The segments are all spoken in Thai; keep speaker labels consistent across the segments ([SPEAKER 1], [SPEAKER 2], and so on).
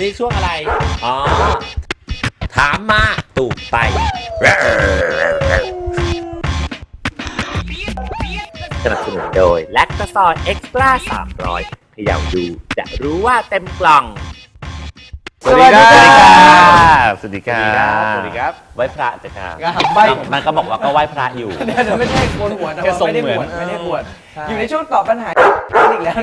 [SPEAKER 1] นี่ช่วงอะไรอ๋อถามมาตูบไปสนับสนุนโดยแลคตาซอยเอ็กซ์ตร้า300เขย่าดูจะรู้ว่าเต็มกล่องสวัสดีครับสวัสดีครับ
[SPEAKER 2] สวัสดีครับ
[SPEAKER 1] ไหว้พระจ้ะค่ะ มันก็บอกว่าก็ไหว้พระอยู่
[SPEAKER 2] เดี๋ยวไม่ใช่โกนหัวแต่ว่าไม่ได้บวชไม่ได้บวชอยู่ในช่วงตอบปัญหาอีกแล้ว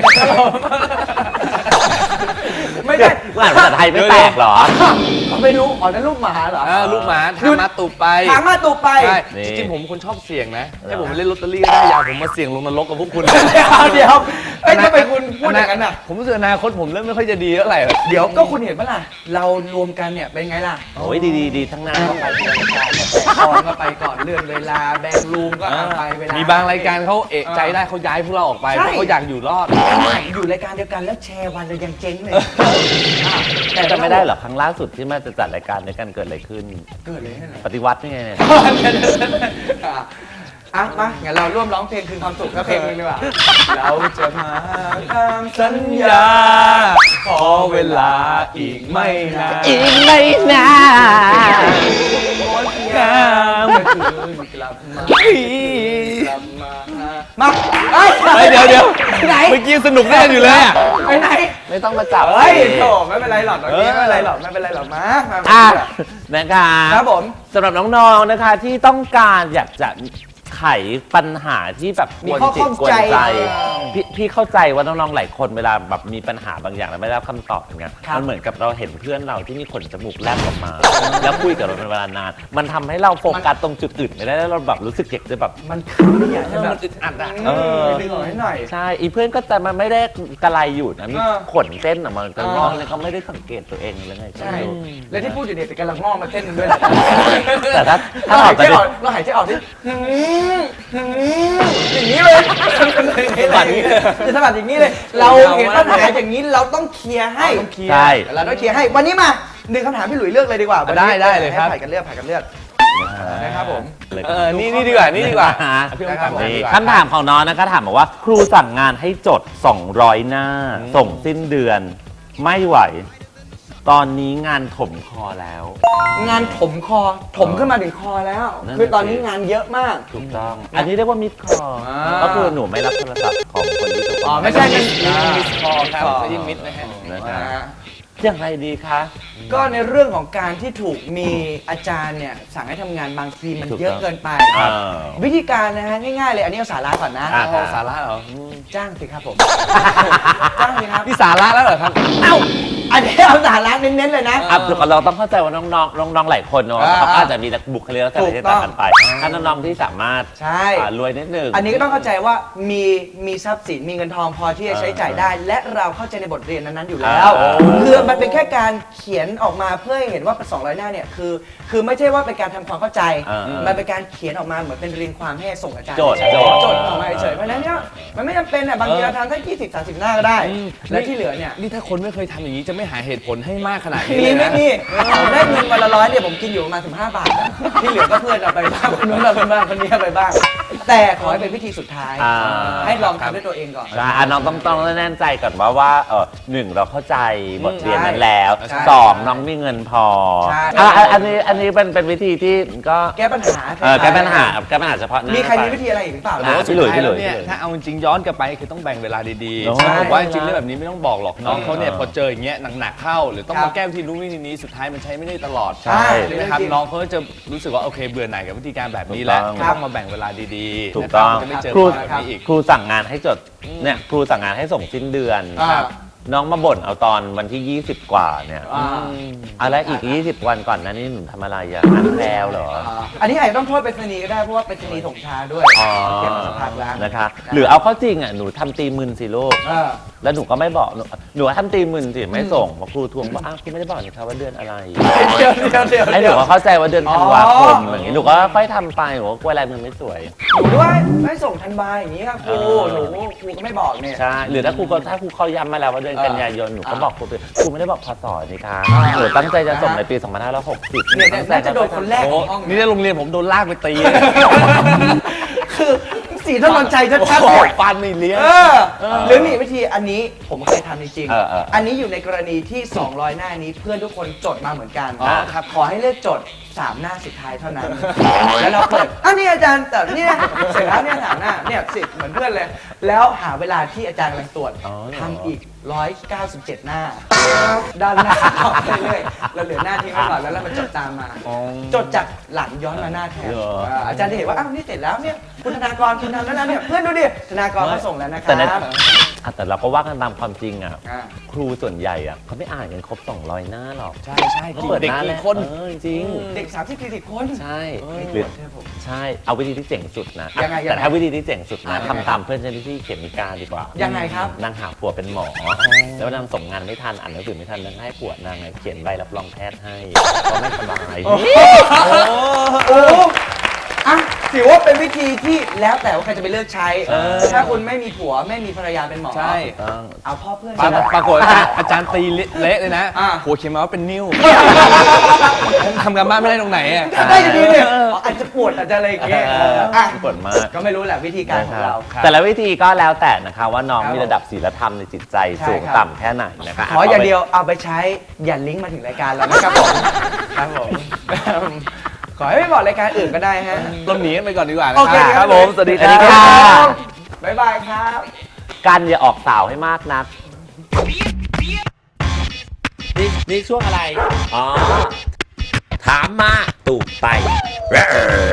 [SPEAKER 2] ไม่ได้
[SPEAKER 1] อ่านภาษาไทยไม่แตกหรอ
[SPEAKER 2] ไม่รู้อ๋อนั่นลูกหมาเหรอ
[SPEAKER 3] ลูกหมาทางมาตูบไป
[SPEAKER 2] ทางมาตูบไป
[SPEAKER 3] จริงๆผมคนชอบเสี่ยงนะให้ผมมาเล่นลอตเตอรี่ก็ได้อย่าผมมาเสี่ยงลงนรกกับพวกคุณ
[SPEAKER 2] เดี๋ยวทำไมคุณพูดอย่างนั้นอ่ะ
[SPEAKER 3] ผมรู้สึกอนาคตผมเริ่มไม่ค่อยจะดีเท่าไหร่
[SPEAKER 2] เดี๋ยวก็คุณเห็นปะล่ะเรารวมกันเนี่ยเป็นไงล่ะ
[SPEAKER 1] โอ้ยดีทั้งนั้น
[SPEAKER 2] ก็ไปรายการก่อนก็ไปก่อนเลื่อนเวลาแบ่งรูมก็ไปเวลา
[SPEAKER 3] มีบางรายการเขาเอะใจได้เขาย้ายพวกเราออกไปเพราะเขาอยากอยู่รอด
[SPEAKER 2] อยู่รายการเดียวกันแล้วแชร์วันเรายังเจ๊งเลย
[SPEAKER 1] แต่จะไม่ได้หรอครั้งล่าสุดที่มาจะจัดรายการด้วยกันเกิดอะไรขึ้น
[SPEAKER 2] เกิดอะไร
[SPEAKER 1] ปฏิวัตินี่ไงเนี่ย
[SPEAKER 2] มางั้นเราร่วมร้องเพลงคืนความสุขก็เพลงนึงดีกว่าเราจะมาตามสัญญาขอเวลาอีกไม่นาน
[SPEAKER 1] อีกไม่นาน
[SPEAKER 2] งามเมื่อคืนกลับมา
[SPEAKER 3] เดี๋ยว
[SPEAKER 2] ไหน
[SPEAKER 3] เมื่อกี้สนุกแน่อยู่เลยอ่ะ
[SPEAKER 2] ไปไหน
[SPEAKER 1] ไม่ต้องมาจับ
[SPEAKER 2] เฮ้ยโถไม่เป็นไรหรอกตอนนี้ไม่เป็นไรหรอกมา
[SPEAKER 1] นะคะ
[SPEAKER 2] ครับผม
[SPEAKER 1] สำหรับน้องๆนะคะที่ต้องการอยากจะไขปัญหาที่แบบกวนจิตกวนใจพี่เข้าใจว่าน้องๆหลายคนเวลาแบบมีปัญหาบางอย่างแล้วไม่ได้รับคำตอบอย่างเงี้ยมันเหมือนกับเราเห็นเพื่อนเราที่มีขนจมูกแลบออกมาแล้วคุยกับเราเป็นเวลานานมันทำให้เราโฟกัสตรงจุดอื่นไม่ได้แล้วเราแบบรู้สึกอยากจะแบบ
[SPEAKER 2] มันคือเนี่ย
[SPEAKER 3] มันอึดอัดอ่ะ
[SPEAKER 2] ดึงออกให้หน่อย
[SPEAKER 1] ใช่อีเพื่อนก็แต่มันไม่ได้กระไรอยู่นะมีขนเส้นออกมาแต่น้องเนี่ยเขาไม่ได้สังเกตตัวเองเลยไง
[SPEAKER 2] ใช่และที่พูดอยู่เนี่ยแต่กำลังงอกมาเส้นนึงด้วย
[SPEAKER 1] แต่ถ้า
[SPEAKER 2] เราหายใจออกดิอย่างนี้เลยสะบัดอย่างนี้เลยเราเห็นปัญหาอย่างนี้เราต้องเคลียร์ให้
[SPEAKER 1] ใช่
[SPEAKER 2] เราต้องเคลียร์ให้วันนี้มาหนึ่งคำถามพี่หลุยเลือกเลยดีกว่า
[SPEAKER 3] ได้เลยครับ
[SPEAKER 2] ผ่านกันเลือกนะครับผม
[SPEAKER 3] นี่ดีกว่า
[SPEAKER 1] คำถามของน้องนะคะถามบอกว่าครูสั่งงานให้จด200หน้าส่งสิ้นเดือนไม่ไหวตอนนี้งานถมคอแล้ว
[SPEAKER 2] งานถมคอถมขึ้นมาถึงคอแล้วคือตอนนี้งานเยอะมาก
[SPEAKER 1] ถูกต้องอันนี้เรียกว่ามิดคอก็คือหนูไม่รับโทรศัพท์ของคนที่จะ
[SPEAKER 2] ไม่ใช่
[SPEAKER 3] มิดคอครับไม่ใช่มิดนะฮะ
[SPEAKER 1] อย่างไรดีคะ
[SPEAKER 2] ก็ในเรื่องของการที่ถูกมีอาจารย์เนี่ยสั่งให้ทำงานบางทีมันเยอะเกินไปวิธีการนะฮะง่ายๆเลยอันนี้เอาสาระก่อนนะ
[SPEAKER 3] สาระเหรอ
[SPEAKER 2] จ้างสิครับผมจ้างสิครับ
[SPEAKER 3] นี่สาระแล้วเหรอครับ
[SPEAKER 2] อันนี้เอาสาระเน้นๆเลยนะ
[SPEAKER 1] เราต้องเข้าใจว่าน้องหลายคนเนาะเขาอาจจะมีบุคลิกลักษณะที่ต่างกันไปถ้าน้องๆที่สามารถรวยนิดนึง
[SPEAKER 2] อันนี้ก็ต้องเข้าใจว่ามีทรัพย์สินมีเงินทองพอที่จะใช้จ่ายได้และเราเข้าใจในบทเรียนนั้นๆอยู่แล้วคือมันเป็นแค่การเขียนออกมาเพื่อให้เห็นว่า200หน้าเนี่ยคือไม่ใช่ว่าเป็นการทำความเข้าใจมันเป็นการเขียนออกมาเหมือนเป็นเรียงความให้ส่งอาจารย์
[SPEAKER 1] โจทย์
[SPEAKER 2] ออกมาเฉยเพราะฉะนั้นเนี่ยมันไม่จำเป็นอ่ะบางทีเราทำแค่20-30หน้าก็ได้และที่เหลือเนี่ย
[SPEAKER 3] นี่ถ้าคนไม่เคยทำอย่างนี้จะไม่หาเหตุผลให้มากขนาดนี้
[SPEAKER 2] ไม่มีได้เงินวันละ100เนี่ยผมกินอยู่ประมาณ15 บาทที่เหลือก็เพื่อนเอาไปบ้างคนนู้นเอาไปบ้างคนนี้เอาไปบ้างแต่ขอให้เป็นวิธีสุดท้ายให้ลองทำด้วยตัวเองก่อน
[SPEAKER 1] น้องต้องแน่ใจก่อนว่า1เราเข้าใจบทเรียนนั้นแล้ว2น้องมีเงินพออันนี้เป็นวิธีที่ก็
[SPEAKER 2] แก้ปัญหา
[SPEAKER 1] เฉพาะ
[SPEAKER 2] มีใครมีวิธีอะไรอีกหรือเปล่า
[SPEAKER 3] พี่หลุยเนี่ยถ้าเอาจริงย้อนกลับไปคือต้องแบ่งเวลาดีๆผมว่าจริงเรื่องแบบนี้ไม่ต้องบอกหรอกน้องเขาเนี่ยพอเจออย่างเงี้ยหนักๆเข้าหรือต้องมาแก้วิธีนู้นวิธีนี้สุดท้ายมันใช้ไม่ได้ตลอด
[SPEAKER 1] ใช่
[SPEAKER 3] นะครับน้องเขาจะรู้สึกว่าโอเคเบื่อหน่ายกับวิธีการแบบนี้แล้วต้องมาแบ่งเวลาดีๆ
[SPEAKER 1] ถูกต้อง
[SPEAKER 3] จะไม่เจอแบบนี้อีก
[SPEAKER 1] ครูสั่งงานให้จดเนี่ยครูสั่งงานให้ส่งสิ้นเดือนน้องมาบ่นเอาตอนวันที่20กว่าเนี่ยอะไรอีก20วันก่อนนั้นนี่หนูทำอะไรอ่ะงานแพรวเหรอ
[SPEAKER 2] อันนี้อาจจะต้องโทษไปรษณีย์ก็ได้เพราะว่าไปรษณีย์ส่งช้าด้วยเก็บมาสักพักแล้ว
[SPEAKER 1] นะคะหรือเอาเข้าจริงอ่ะหนูทำตีมึนสิลูกแล้วหนูก็ไม่บอกหนูทำตีมึนสิไม่ส่งครูทวงว่าคุณไม่ได้บอกนี่ครับว่าเดือนอะไรไอ้หนูก็เข้าใจว่าเดือนธันวาคมอย่างงี้หนูก็ค่อยทำไปหนูก็กลัวลายมือไม่สวย
[SPEAKER 2] หนูด้วยไม่ส่งธันวาอย่างนี้ครับครูก็ไม่บอกเนี่ย
[SPEAKER 1] ใช่หรือถ้าครูเขาย้ำมาแล้วว่าเดือนกันยายนหนูก็บอกครูไม่ได้บอกพศนี่ค่ะหนูตั้งใจจะส่งในปี2560
[SPEAKER 2] เนี่ยน่าจะโดนคนแรกของห้อง
[SPEAKER 3] นี่ในโรงเรียนผมโดนลากไปตี
[SPEAKER 2] คือเสีสีถนนชัยชัดๆเนี่ย
[SPEAKER 3] ฟันไม่เลี้ยง
[SPEAKER 2] หรือมีวิธีอันนี้ผมเคยทำจริง
[SPEAKER 1] เออ
[SPEAKER 2] อันนี้อยู่ในกรณีที่ 200 หน้านี้เพื่อนทุกคนจดมาเหมือนกัน
[SPEAKER 3] อ๋อครับ
[SPEAKER 2] ขอให้เลือกจด 3 หน้าสุดท้ายเท่านั้น แล้วเราเปิดนี่อาจารย์แต่นี่นะเสร็จแล้วเนี่ย3 หน้าเนี่ย10เหมือนเพื่อนเลย แล้วหาเวลาที่อาจารย์กำลังตรวจ
[SPEAKER 1] อ๋อเหรอ
[SPEAKER 2] ทำอีก 197 หน้า ด้านหน้าต่อไปเรื่อยๆเราเหลือหน้าทิ้งไว้ก่อนแล้วเรามาจดตามมา จดจากหลังย้อนมาหน้าแทน
[SPEAKER 1] เหรอ
[SPEAKER 2] อาจารย์จะเห็นว่าอ้าวนี่เสร็จแล้วเนี่ยคุณธนากรคุณทำแล้วนะเนี่ยเพื่อนดูดิธนากรเขาส่งแล้วนะค
[SPEAKER 1] แต่ใน
[SPEAKER 2] รับ
[SPEAKER 1] แต่เราก็ว่ากันตามความจริงอ่ะ
[SPEAKER 2] อ่า
[SPEAKER 1] ครูส่วนใหญ่อ่ะเขาไม่อ่านกันครบ 200 หน้าหรอก
[SPEAKER 3] ใช่ใช่
[SPEAKER 1] เขาเปิด
[SPEAKER 3] เด็ก
[SPEAKER 1] หน้า
[SPEAKER 3] กี่
[SPEAKER 1] แรก
[SPEAKER 3] คน
[SPEAKER 1] จริง
[SPEAKER 2] เด็ก30-40 คน
[SPEAKER 1] ใช่
[SPEAKER 2] ไม่
[SPEAKER 1] หรือ
[SPEAKER 2] ใช่ผม
[SPEAKER 1] ใช่เอาวิธีที่เจ๋งสุดนะ
[SPEAKER 2] ยังไง
[SPEAKER 1] แต่ถ้าวิธีที่เจ๋งสุดนะ
[SPEAKER 2] ยังไง
[SPEAKER 1] ทำตามเพื่อนฉันที่เขียนนิการดีกว่า
[SPEAKER 2] ยังไงครับ
[SPEAKER 1] นางหาผัวเป็นหมอ แล้วนางส่งงานไม่ทันอ่านหนังสือไม่ทันนางให้ผัวนางเขียนใบรับรองแพทย์ให้ก็ไม่สบาย
[SPEAKER 2] โอ้อะถือว่าเป็นวิธีที่แล้วแต่ว่าใครจะไปเลือกใช้ ถ้าคุณไม่มีผัวไม่มีภรรยาเป็นหมอ
[SPEAKER 3] ใช่
[SPEAKER 1] ต้อง
[SPEAKER 2] เอาพ่อเพื่อน
[SPEAKER 3] ปรากฏอาจารย์ตีเละเลยนะ
[SPEAKER 2] อ่า
[SPEAKER 3] หัวเขียนมาว่าเป็นนิ้วทำกันบ้านไม่ได้ตรงไหนอ่ะ
[SPEAKER 2] ได้จะดีเนี่ยอาจจะปวดอาจจะอะไรอย่างเงี้ยอ่ะ
[SPEAKER 1] ปวดมาก
[SPEAKER 2] ก็ไม่รู้แหละวิธีการของเรา
[SPEAKER 3] ครับ
[SPEAKER 1] แต่ละวิธีก็แล้วแต่นะคะว่าน้อง
[SPEAKER 2] ครับ
[SPEAKER 1] มีระดับศีลธรรมในจิตใจ
[SPEAKER 2] ใช่
[SPEAKER 1] สูง
[SPEAKER 2] ครับ
[SPEAKER 1] ต่ำแค่ไหนนะคะ
[SPEAKER 2] ขออย่างเดียวเอาไปใช้อย่าลิงก์มาถึงรายการเรานะครับผมครับผม ขอให้ไม่บอกรายการอื่นก็ได้ฮะ
[SPEAKER 3] เราหนีกันไปก่อนดีกว่านะ
[SPEAKER 2] โอเค
[SPEAKER 3] ครับผม สวัสดีค
[SPEAKER 1] สวัสดี
[SPEAKER 3] รั
[SPEAKER 1] ค่ะ
[SPEAKER 3] บ
[SPEAKER 2] บ๊ายบายครับ
[SPEAKER 1] กันอย่าออกสาวให้มากนัก นี่ช่วงอะไร อ๋อ ถามมาตูบไป